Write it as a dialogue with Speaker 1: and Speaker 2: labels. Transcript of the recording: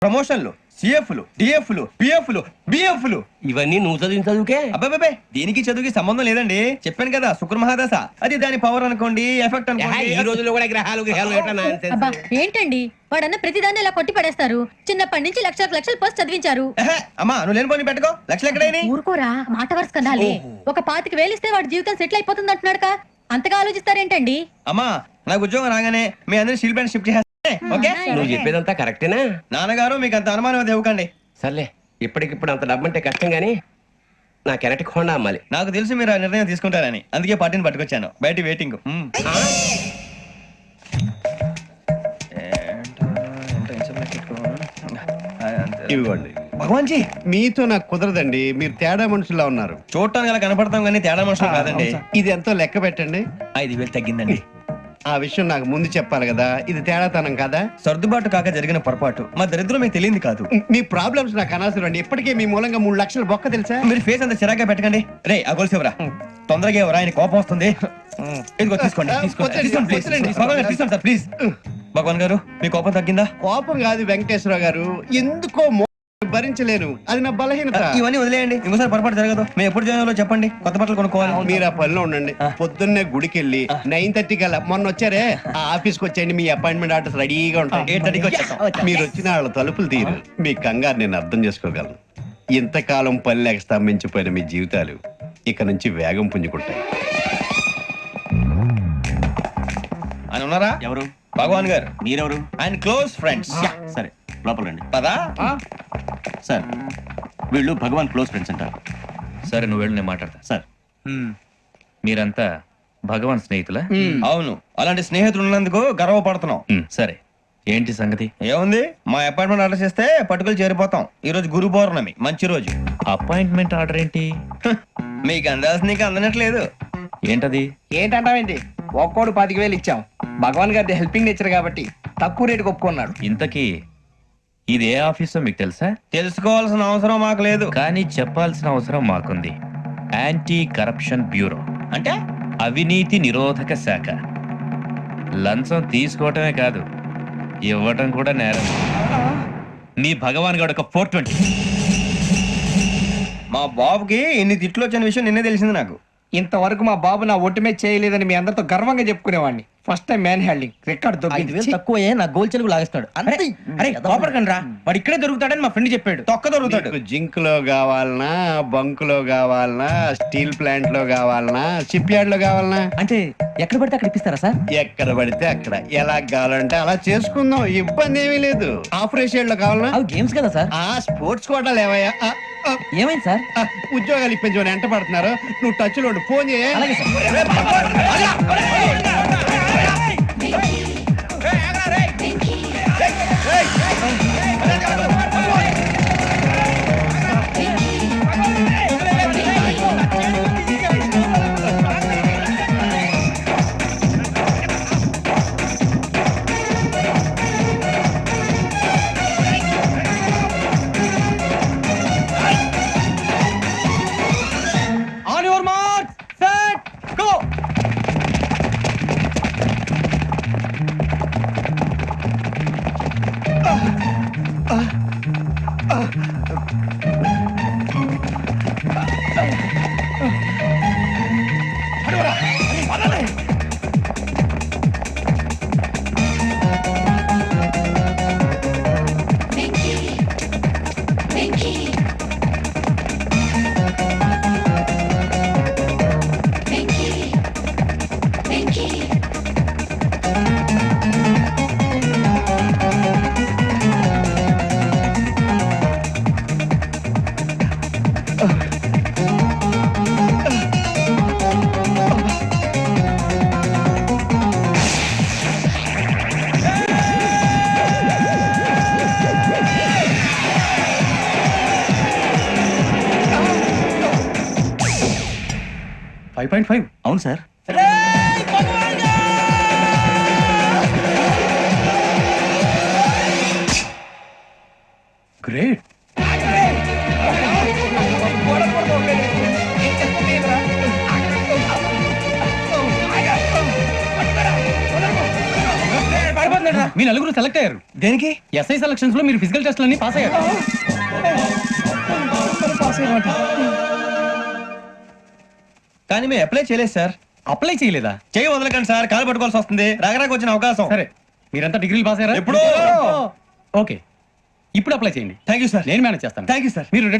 Speaker 1: ప్రమోషన్లు, సిఎఫ్లు, డిఎఫ్లు, పిఎఫ్లు, బిఎఫ్లు.
Speaker 2: ఇవన్నీ నువ్వు చదివిన చదువుకే.
Speaker 1: అబ్బాబే దీనికి చదువుకి సంబంధం లేదండి. చెప్పాను కదా శుక్ర మహాదశ, అది దాని పవర్ అనుకోండి, ఎఫెక్ట్ అనుకోండి.
Speaker 2: ఈ రోజుల్లో కూడా గ్రహాలు
Speaker 3: అబ్బా ఏంటండి వాడన్న ప్రతిదాన్ని ఇలా కొట్టి పడేస్తారు. చిన్నప్పటి నుంచి లక్షలకు లక్షలు పోస్ట్ చదివించారు.
Speaker 1: అమ్మా నువ్వు లేని పోనీ పెట్టుకో. లక్షలు ఎక్కడైనా
Speaker 3: ఊరుకోరా, మాట వరుస కదాలే. ఒక 25,000 వేలిస్తే వాడి జీవితం సెటిల్ అయిపోతుంది అంటున్నాడుగా, అంతగా ఆలోచిస్తారేంటండి?
Speaker 1: అమ్మా నాకు ఉద్యోగం రాగానే మీ అందరూ స్టీల్ ప్లాంట్ షిఫ్ట్ చేస్తే ఓకే.
Speaker 2: నువ్వు చెప్పేదంతా కరెక్టేనా?
Speaker 1: నాన్నగారు మీకు అంత అనుమానం అది ఇవ్వకండి.
Speaker 2: సర్లే, ఇప్పటికిప్పుడు అంత డబ్బు అంటే కష్టం గానీ నా కెనటిక్ హోండా అమ్మాలి.
Speaker 1: నాకు తెలుసు మీరు ఆ నిర్ణయం తీసుకుంటారని, అందుకే పార్టీని పట్టుకొచ్చాను. బయట వెయిటింగ్.
Speaker 4: ఇవ్వండి.
Speaker 1: భగవాన్ జీ
Speaker 4: మీతో నాకు కుదరదండి, మీరు తేడా మనుషుల్లా ఉన్నారు.
Speaker 1: చూడటానికి అలా కనపడతాం కానీ తేడా మనుషులు కాదండి.
Speaker 4: ఇది ఎంతో లెక్క పెట్టండి.
Speaker 1: 5,000 తగ్గిందండి.
Speaker 4: ఆ విషయం నాకు ముందు చెప్పాలి కదా, ఇది తేడాతనం కదా.
Speaker 1: సర్దుబాటు కాక జరిగిన పొరపాటు, మా దరిద్రం మీకు తెలియదు కాదు.
Speaker 4: మీ ప్రాబ్లమ్స్ నాకు అనవసరం అండి. ఇప్పటికే మీ మూలంగా 3 లక్షలు బొక్క తెలుసా.
Speaker 1: మీరు ఫేస్ అంత చిరాగ్గా పెట్టకండి. రే ఆ గొలుసు ఎవరా? తొందరగా ఎవరా, ఆయన కోపం వస్తుంది. ఇదిగో తీసుకోండి, తీసుకోండి, తీసుకోండి, please. భగవాన్ గారు, తీసుకోండి సార్ ప్లీజ్. భగవాన్ గారు మీ కోపం తగ్గిందా?
Speaker 4: కోపం కాదు వెంకటేశ్వరరావు గారు, ఎందుకో భరించలేను, అది నా బలహీనత.
Speaker 1: ఇవన్నీ వదిలేయండి, ఇంకోసారి పొరపాటు జరగదు. మేము ఎప్పుడు జాయిన్ చెప్పండి, కొత్త బట్టలు కొనుక్కోవాలి.
Speaker 4: మీరు ఆ పనిలో ఉండండి. పొద్దున్నే గుడికి వెళ్ళి 9:30 కల్లా, మొన్న వచ్చారే ఆ ఆఫీస్కి వచ్చేయండి. మీ అపాయింట్మెంట్ ఆర్డర్స్ రెడీగా ఉంటాయి.
Speaker 1: 8:30కి వచ్చేస్తాం.
Speaker 4: మీరు వచ్చిన వాళ్ళ తలుపులు తీరు. మీ కంగారు నేను అర్థం చేసుకోగలను. ఇంతకాలం పని లేక స్తంభించిపోయిన మీ జీవితాలు ఇక నుంచి వేగం పుంజుకుంటాయి.
Speaker 1: ఆయన ఉన్నారా?
Speaker 5: ఎవరు?
Speaker 1: భగవాన్ గారు.
Speaker 5: మీరెవరు?
Speaker 1: ఆయన క్లోజ్ ఫ్రెండ్స్.
Speaker 5: సరే లోపల రండి.
Speaker 1: పదా
Speaker 5: సార్ వీళ్ళు భగవాన్ క్లోజ్ ఫ్రెండ్స్ అంటారు.
Speaker 6: సరే నువ్వు వెళ్ళి నేను మాట్లాడతా.
Speaker 5: సార్
Speaker 6: మీరంతా భగవాన్ స్నేహితులా?
Speaker 1: అవును, అలాంటి స్నేహితులు ఉన్నందుకు గర్వపడుతున్నాం.
Speaker 6: సరే ఏంటి సంగతి?
Speaker 1: ఏముంది, మా అపాయింట్మెంట్ ఆర్డర్ చేస్తే పట్టుకులు చేరిపోతాం. ఈ రోజు గురు పౌర్ణమి, మంచి రోజు.
Speaker 6: అపాయింట్మెంట్ ఆర్డర్ ఏంటి?
Speaker 1: మీకు అందాల్సిన నీకు అందనట్లేదు.
Speaker 6: ఏంటది?
Speaker 7: ఏంటంటావేంటి? ఒక్కోడు 25,000 ఇచ్చాం. భగవాన్ గారి హెల్పింగ్ నేచర్ కాబట్టి తక్కువ రేటుకి ఒప్పుకున్నాడు.
Speaker 6: ఇంతకీ ఇది ఏ ఆఫీసో మీకు తెలుసా?
Speaker 1: తెలుసుకోవాల్సిన అవసరం మాకు లేదు,
Speaker 6: కానీ చెప్పాల్సిన అవసరం మాకుంది. యాంటీ కరప్షన్ బ్యూరో,
Speaker 1: అంటే
Speaker 6: అవినీతి నిరోధక శాఖ. లంచం తీసుకోవటమే కాదు, ఇవ్వటం కూడా నేరం. మీ భగవాన్ గడు ఒక 420.
Speaker 1: మా బాబుకి ఇన్ని తిట్లు వచ్చిన విషయం నిన్నే తెలిసింది నాకు.
Speaker 7: ఇంతవరకు మా బాబు నా ఒట్టుమే చేయలేదని మీ అందరితో గర్వంగా చెప్పుకునేవాడిని. First time man handing record దొరికింది.
Speaker 2: తక్కువే నా గోల్ చెలుగు లాగేస్తాడు.
Speaker 1: అరే కోపడకండి రా, వాడు ఇక్కడే దొరుకుతాడని మా ఫ్రెండ్ చెప్పాడు. తొక్క దొరుకుతాడు.
Speaker 4: మీకు జింక్ లో కావాలనా, బంక్ లో కావాలనా, స్టీల్ ప్లాంట్ లో కావాలనా, షిప్ యార్డ్ లో కావాలనా?
Speaker 2: అంటే ఎక్కడ పడితే అక్కడ ఇప్పిస్తారా సార్?
Speaker 4: ఎక్కడ పడితే అక్కడ, ఎలా కావాలంటే అలా చేసుకుందాం, ఇబ్బంది ఏమీ లేదు. ఆపరేషన్ లో కావాలనా?
Speaker 2: అవి గేమ్స్ కదా సార్.
Speaker 4: ఆ స్పోర్ట్స్ కోటాలు ఏవయ్యా?
Speaker 2: ఏమైంది సార్?
Speaker 4: ఉద్యోగాలు ఇప్పించమని ఎంట పడుతున్నారు. నువ్వు టచ్ లో ఉండు, ఫోన్ చేయ.
Speaker 2: అలాగే sir.
Speaker 1: On your mark, set, go.
Speaker 5: అవును సార్.
Speaker 1: గ్రేట్.
Speaker 7: పడిపోతుందా?
Speaker 8: మీ నలుగురు సెలెక్ట్ అయ్యారు
Speaker 1: దేనికి?
Speaker 8: ఎస్ఐ సెలక్షన్స్ లో మీరు ఫిజికల్ టెస్ట్లన్నీ పాస్ అయ్యారు.
Speaker 1: కానీ మేము అప్లై చేయలేదు సార్.
Speaker 8: అప్లై చేయలేదా?
Speaker 1: చేయి వదలకండి సార్, కాలు పట్టుకోవాల్సి వస్తుంది. రాగరాకు వచ్చిన అవకాశం.
Speaker 8: సరే, మీరంతా డిగ్రీలు పాస్ అయ్యారా?
Speaker 1: ఎప్పుడో.
Speaker 8: ఓకే, ఇప్పుడు అప్లై చేయండి.
Speaker 1: Thank you sir.
Speaker 8: నేను మేనేజ్ చేస్తాను.
Speaker 1: Thank you sir.
Speaker 8: మీరు